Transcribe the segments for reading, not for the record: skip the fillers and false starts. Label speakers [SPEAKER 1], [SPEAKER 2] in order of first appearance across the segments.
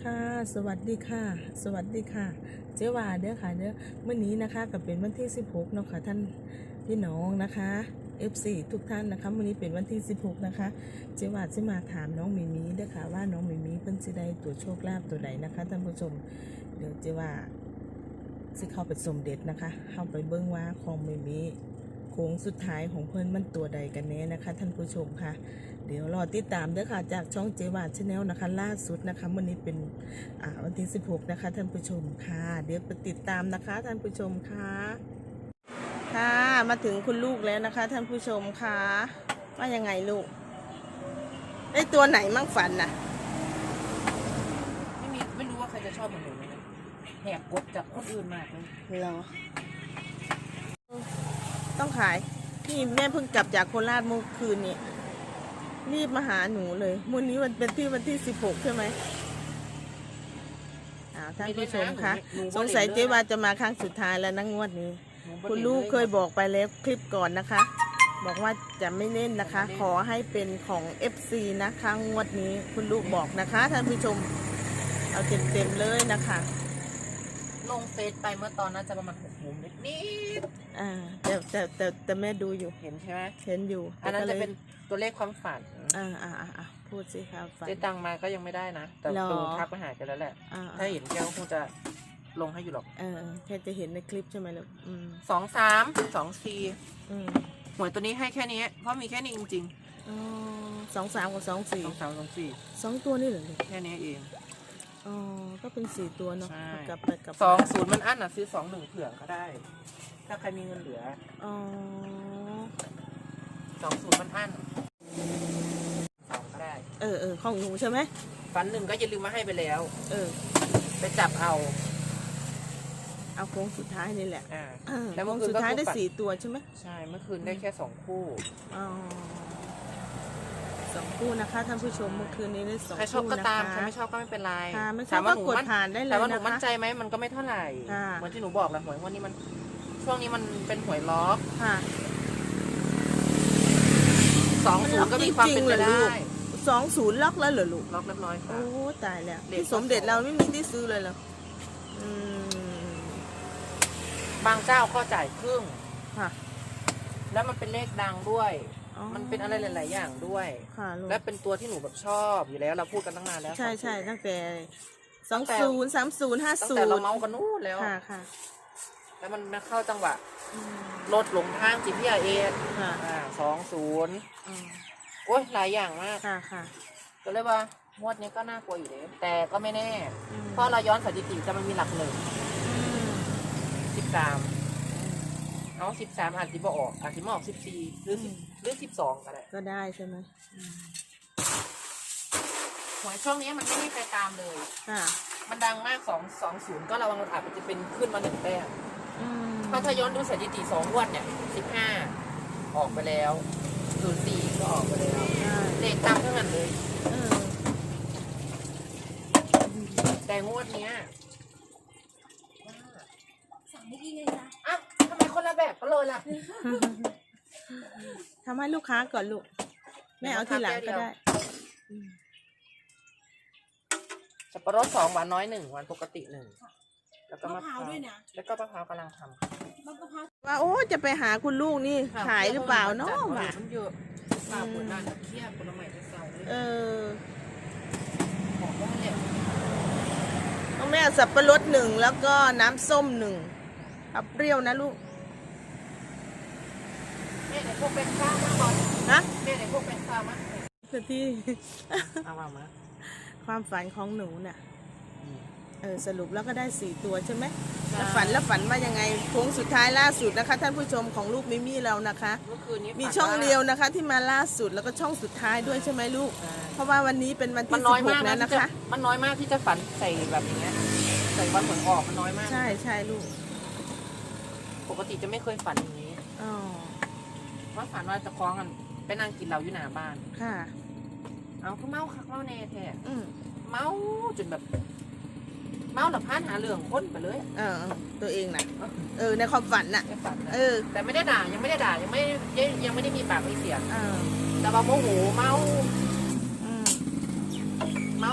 [SPEAKER 1] ค่ะสวัสดีค่ะสวัสดีค่ะเจ๊วาเด้อค่ะเด้อเมื่อนี้นะคะกับเป็นวันที่16เนาะค่ะท่านพี่น้องนะคะ F4 ทุกท่านนะคะวันนี้เป็นวันที่16นะคะเจ๊วาจะมาถามน้องมิมีเด้อค่ะว่าน้องมิมีเพิ่นสิได้ตัวโชคลาภตัวใดนะคะท่านผู้ชมเดี๋ยวเจ๊วาสิเข้าไปสมเด็จนะคะเข้าไปเบิ่งว่าของมิมีโค้งสุดท้ายของเพิ่นมันตัวใดกันแน่นะคะท่านผู้ชมค่ะเดี๋ยวรอติดตามเด้อค่ะจากช่องเจวาชาแนลนะคะล่าสุดนะคะวันนี้เป็นวันที่16นะคะท่านผู้ชมค่ะเดี๋ยวไปติดตามนะคะท่านผู้ชมค่ะค่ะมาถึงคุณลูกแล้วนะคะท่านผู้ชมค่ะว่ายังไงลูกได้ตัวไหนมั่งฝันน่ะ
[SPEAKER 2] ไม่รู้ว่าใครจะชอบเหมือนหนูไหมนะแหกกฎจากคนอื่นมากเลย
[SPEAKER 1] เหรอต้องขายพี่แม่เพิ่งกลับจากโคราชเมื่อคืนนี้รีบมาหาหนูเลยวันนี้วันที่16ใช่ไหมท่านผู้ชมคะสงสัยเจ๊วาจะมาครั้งสุดท้ายแล้วนะงวดนี้คุณลูกเคยบอกไปแล้วคลิปก่อนนะคะบอกว่าจะไม่เล่นนะคะขอให้เป็นของ FC นะคะงวดนี้คุณลูกบอกนะคะท่านผู้ชมเอาเต็มเลยนะคะ
[SPEAKER 2] ลงเฟซไปเมื่อตอนนั้นจะประมาณ6 โมงนิด
[SPEAKER 1] แต่แม่ดูอยู่
[SPEAKER 2] เห็นใช่ไหม
[SPEAKER 1] เห็นอยู่
[SPEAKER 2] อันนั้นจะเป็นตัวเลขความฝัน
[SPEAKER 1] พูดสิครับ
[SPEAKER 2] เจ๊ตังมาก็ยังไม่ได้นะแต่ตูทักไปหากันแล้วแหละถ้าเห็นแกก็คงจะลงให้อยู่หรอก
[SPEAKER 1] แค่จะเห็นในคลิปใช่ไหมลูก
[SPEAKER 2] 2 3 2 4หวยตัวนี้ให้แค่นี้เพราะมีแค่นี้จริง
[SPEAKER 1] ๆ2 3 กับ2 4
[SPEAKER 2] 2 3 2 4
[SPEAKER 1] 2ตัวนี่เหรอ
[SPEAKER 2] แค่นี้เอง
[SPEAKER 1] ก็เป็น4ตัวเนาะกับ
[SPEAKER 2] 20มันอั้นซื้อ21เผื่อก็ได้ถ้าใครมีเงินเหลือ20มันอั้น2ก็ได้
[SPEAKER 1] ของหนูใช่ไหม
[SPEAKER 2] ฝัน1ก็อย่าลืมมาให้ไปแล้วไปจับเอา
[SPEAKER 1] โค้งสุดท้ายนี่แหละ
[SPEAKER 2] แล้ว
[SPEAKER 1] โค้งสุดท้ายได้4ตัวใช่ไหม
[SPEAKER 2] ใช่เมื่อคืนได้แค่2 คู่
[SPEAKER 1] 2 คู่นะคะท่านผู้ชมเมื่อคืนนี้ได้2 คู่นะคะ
[SPEAKER 2] ใครชอบก็ตามใครไม่ชอบก็ไม่เป็นไร
[SPEAKER 1] ไม่ชอบก็กดผ่านได้เลยนะคะ
[SPEAKER 2] แต่ว่าหนูมั่นใจไหมมันก็ไม่เท่าไหร่เหมือนที่หนูบอกแหละหวยวันนี้มันช่วงนี้มันเป็นหวยล็อก20ก็มีความเป็นไปได้
[SPEAKER 1] 20ล็อกแล้วเหรอลูก
[SPEAKER 2] ล็อกเรียบร้อยค่ะ
[SPEAKER 1] โอ้ตายแล้วที่สมเด็จเราไม่มีที่ซื้อเลยเหรอบ
[SPEAKER 2] างเจ้าก็จ่ายครึ่งแล้วมันเป็นเลขดังด้วยมันเป็นอะไรหลายๆอย่างด้วยและเป็นตัวที่หนูแบบชอบอยู่แล้วเราพูดกันตั้งนานแล้ว
[SPEAKER 1] ใช่ตั้งแต่20 30 50
[SPEAKER 2] ตั้งแต่เราเมากันนู่นแล้ว
[SPEAKER 1] ค่ะ
[SPEAKER 2] แล้วมันมาเข้าจังหวะรถหลงทางGPS 20โอ้ยหลายอย่างมาก
[SPEAKER 1] ค่ะ
[SPEAKER 2] ก็เลยว่างวดนี้ก็น่ากลัวอยู่เลยแต่ก็ไม่แน่เพราะเราย้อนสถิติจะมันมีหลัก1 13เอา13อาจจะบ่ออกอาจจะมาออก14หรือ12ก็ได้
[SPEAKER 1] ใช่ไหม
[SPEAKER 2] หวยช่วงนี้มันไม่มีใครตามเลยมันดังมาก220ก็ระวังอาจจะเป็นขึ้นมา1 แต้มถ้าย้อนดูสถิติ2 งวดเนี่ย15ออกไปแล้ว04ก็ออกไปแล้วเลขตามเท่านั้นเลยแต่งวดเนี้ยสั่งไม่ดีเลยนะอ้าวทำไมคนละแบบกันเลยล่ะ
[SPEAKER 1] ทำให้ลูกค้าก่อนลูกแม่เอาทีหลังก็ได้
[SPEAKER 2] สับปะรด2 หวานน้อย1 หวานปกติ1แล้วก็มะพร้าวด้วยนะแล้วก็มะพร้าวกำลังทำ
[SPEAKER 1] ว่าโอ้จะไปหาคุณลูกนี่ขายหรือเปล่าเนาะ
[SPEAKER 2] มันเยอะข้าวคนนั้นเคี่ยวคนละใหม่จะเศร้าบอกว่าเนี่ย
[SPEAKER 1] ต้องแม่สับปะรด1แล้วก็น้ำส้ม1เอาเปรี้ยวนะลูก
[SPEAKER 2] แม่ไหนพวกเป็นข้าวมาก่อน
[SPEAKER 1] นะ
[SPEAKER 2] แม่ไหนพวกเป็นข้าวมา
[SPEAKER 1] ที่
[SPEAKER 2] เอามา
[SPEAKER 1] ความฝันของหนูน่ะสรุปแล้วก็ได้4 ตัวใช่ไหมแล้วฝันว่ายังไงโค้งสุดท้ายล่าสุดนะคะท่านผู้ชมของลูกมิมี่เรานะคะมีช่องเดียวนะคะที่มาล่าสุดแล้วก็ช่องสุดท้ายด้วยใช่ไหมลูกเพราะว่าวันนี้เป็นวันที่16แล้วนะคะ
[SPEAKER 2] มันน้อยมากที่จะฝันใส่แบบอย่างเงี้ยใส่วันผลออกมันน้อยมาก
[SPEAKER 1] ใช่ลูก
[SPEAKER 2] ปกติจะไม่เคยฝันอย่างนี้ว่าฝันว่าจะคล้องกันไปนั่งกินเหล้าอยู่หน้าบ้าน
[SPEAKER 1] ค่ะ
[SPEAKER 2] เอาคือเมาคักเมาแน่แท้เมาจนแบบเมาหลับพานหาเรื่องคนไปเลย
[SPEAKER 1] ตัวเองนะในความฝันน่ะ
[SPEAKER 2] แต่ไม่ได้ด่ายังไม่ได้มีปากมีเสียงแต่ว่าโมโหเมา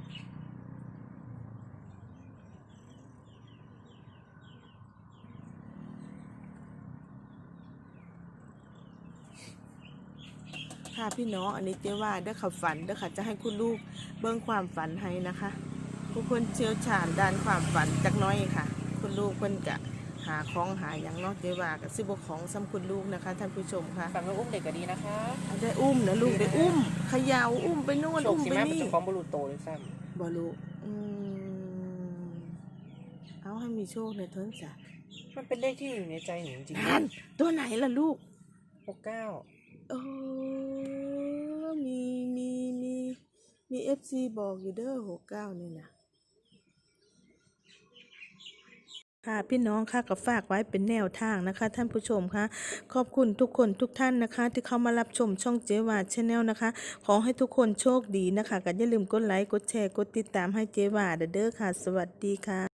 [SPEAKER 2] อ
[SPEAKER 1] ค่ะพี่น้องอันนี้เจ๊ว่าเด้อค่ะฝันเด้อค่ะจะให้คุณลูกเบิ่งความฝันให้นะคะผู้คนเชี่ยวชาญด้านความฝันจักหน้อยค่ะ คุณลูกเพิ่นกะหาของหาอย่างเนาะเจ๊ว่ากับสิบของซ้ำคุณลูกนะคะท่านผู้ชมค่ะ
[SPEAKER 2] ฝันว่าอุ้มเด็กก็ดีนะคะ
[SPEAKER 1] ได้อุ้มนะลูกได้อุ้มเขยาวอุ้มไปโน่น
[SPEAKER 2] โชค
[SPEAKER 1] อุ้ม
[SPEAKER 2] สิ
[SPEAKER 1] ไป
[SPEAKER 2] แม่มัน
[SPEAKER 1] นี่
[SPEAKER 2] จะของบรูโตเลยซ้
[SPEAKER 1] บ่ลูกเอาให้มีโชคในเทิงจ้ะ
[SPEAKER 2] ำมันเป็นเลขที่อยู่ในใจหนูจริง
[SPEAKER 1] นั่นตัวไหนล่ะลูก
[SPEAKER 2] ๆ69
[SPEAKER 1] เออมีFC บอกอยู่เด้อ69นี่นะค่ะพี่น้องค่ะก็ฝากไว้เป็นแนวทางนะคะ ท่านผู้ชมค่ะขอบคุณทุกคนทุกท่านนะคะ ที่เข้ามารับชมช่องเจวาชาแนลนะคะ ขอให้ทุกคนโชคดีนะคะก็อย่าลืมกดไลค์กดแชร์กดติดตามให้เจวาเด้อค่ะ สวัสดีค่ะ